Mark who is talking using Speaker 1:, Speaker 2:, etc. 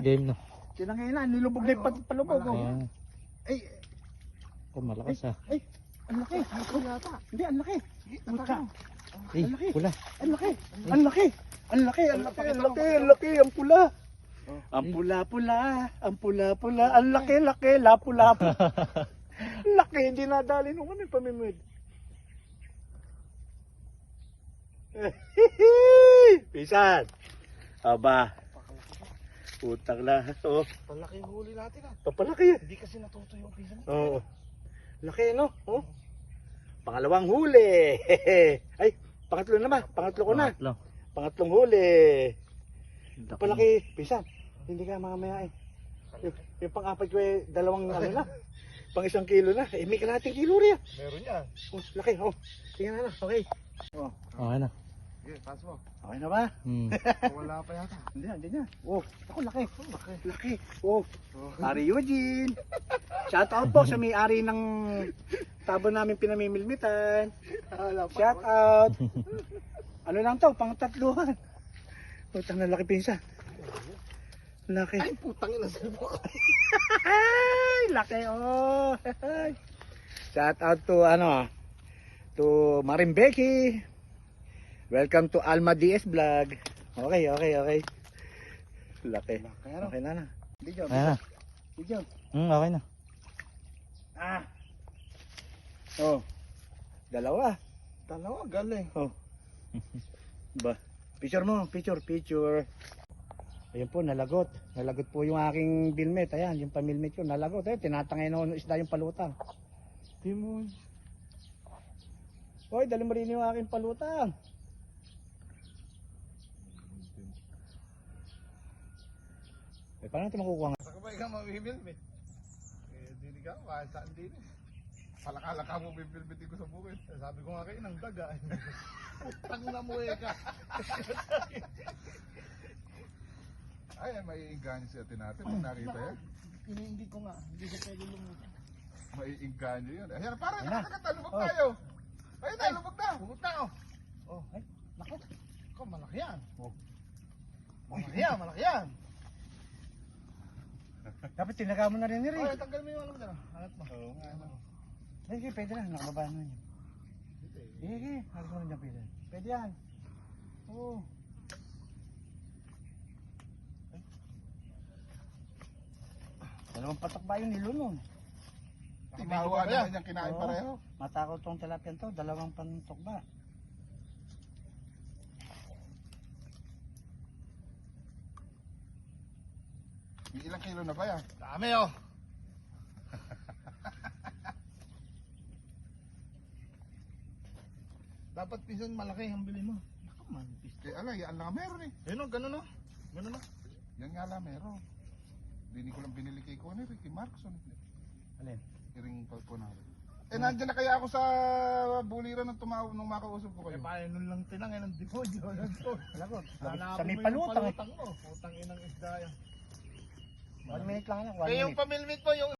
Speaker 1: Game na.
Speaker 2: Tinangina, nilubog na yung palubog.
Speaker 1: Ayan.
Speaker 2: Ay,
Speaker 1: Oh, malakas ah.
Speaker 2: ay, ang laki. Hindi, ang laki. Puta.
Speaker 1: Eh, pula.
Speaker 2: Ang laki. Ang laki. Ang laki, ang laki, ang laki, ang laki, ang pula. Ang pula-pula, ang pula-pula, ang laki-laki, lapu-lapu. Laki, hindi nadali nung kami pamimid. Pisan. Aba. Putang na. Oh,
Speaker 3: Palaki yung huli natin ah.
Speaker 2: papalaki yan.
Speaker 3: Hindi kasi natuto yung pisa natin.
Speaker 2: Oo. Laki, no? Oh. Pangalawang huli. Ay, pangatlo na ba? Pangatlo ko na.
Speaker 1: Pangatlo.
Speaker 2: Pangatlong huli.
Speaker 1: Laki.
Speaker 2: Palaki, pisan. Hindi ka mamaya eh. Yung pang-apat ko eh, dalawang ano na. Pang 1 kilo na. Eh, may kalahating kilo rin.
Speaker 3: Meron yan.
Speaker 2: Oh, laki. Oh, tingnan na. Okay. Oh,
Speaker 1: Okay na.
Speaker 3: Sige, taas mo.
Speaker 2: okay na ba?
Speaker 1: Hmm.
Speaker 3: Wala pa yata.
Speaker 2: Hindi na. Oh, ako laki. Laki. Laki. Oh, Ari Eugene. Shout out po sa may-ari ng tabo namin pinamimilmitan. Shout out. Ano lang to, pang tatluhan. Putang na laki pinsa. Laki.
Speaker 3: Ay, putang ina sa mo.
Speaker 2: Ay, laki oh. Shout out to to Marimbeki. Welcome to Alma DS Vlog. Okay. Laki. Okay na. Video.
Speaker 1: Ayan na.
Speaker 2: Video.
Speaker 1: Okay na.
Speaker 2: Ah. Oh. Dalawa.
Speaker 3: Galing.
Speaker 2: Oh. Ba. Picture mo, picture. Ayun po, nalagot. Nalagot po yung aking bilmet. Ayan, yung pamilmet ko, nalagot. Ayun, tinatangay na ng isda yung palutang. Timon. Hoy, dali mo rin yung aking palutang. Eh, paano natin makukuha nga?
Speaker 3: Saka ba ikaw mamimilmit? Eh, hindi ka, kahit saan din eh. Palakala ka mo bibilbitin ko sa bukid. Eh, sabi ko nga kayo, ng daga. Putang na mo eh ka. Ay, may inganyo si ate natin. Pag nakita yan.
Speaker 2: Hindi ko nga, hindi ko pwede lumutan.
Speaker 3: May inganyo yun. Ayan, parang
Speaker 2: Ayan na.
Speaker 3: nakakatalubog
Speaker 2: Oh.
Speaker 3: tayo. Ayun na, lubog na.
Speaker 2: Pumunta na oh. Oh, ay, naku.
Speaker 3: Ikaw, malaki yan.
Speaker 2: Oh.
Speaker 3: Malaki yan.
Speaker 2: Dapat tinaga mo na rin ni
Speaker 3: Ay,
Speaker 2: Rick.
Speaker 3: tanggal mo yung ano mo dyan. Alat mo.
Speaker 2: Oo nga. Sige, pwede na, nakababa na yun. Sige, halos mo rin dyan pwede. Pwede yan. Oo. Dalawang patak ba yung nilo nun?
Speaker 3: Timawa naman yung kinain
Speaker 2: Oo.
Speaker 3: pareho.
Speaker 2: Matakot tong tilapia to, dalawang pantok ba?
Speaker 3: May ilang kilo na ba yan?
Speaker 2: Dami oh.
Speaker 3: Dapat pinsan malaki ang bili mo.
Speaker 2: Naku, manipis.
Speaker 3: Eh, ala, yan lang meron eh.
Speaker 2: Ayun o, ganun o. Ganun o.
Speaker 3: Yan nga lang meron. Hindi ko lang binili kay Conner, kay Markson.
Speaker 2: Alin?
Speaker 3: Iring po na. Eh, nandiyan na kaya ako sa buliran ng tumawag nung makausap ko kayo.
Speaker 2: Eh, paano nun lang tinangin ng demonyo? Lagot. Sa
Speaker 3: Hanapin
Speaker 2: may
Speaker 3: mo yung
Speaker 2: palutang eh.
Speaker 3: palutang mo. Putang inang isda yan.
Speaker 2: 1 minute lang anak, 1
Speaker 3: Eh, yung
Speaker 2: minute.
Speaker 3: pamilmit mo, yung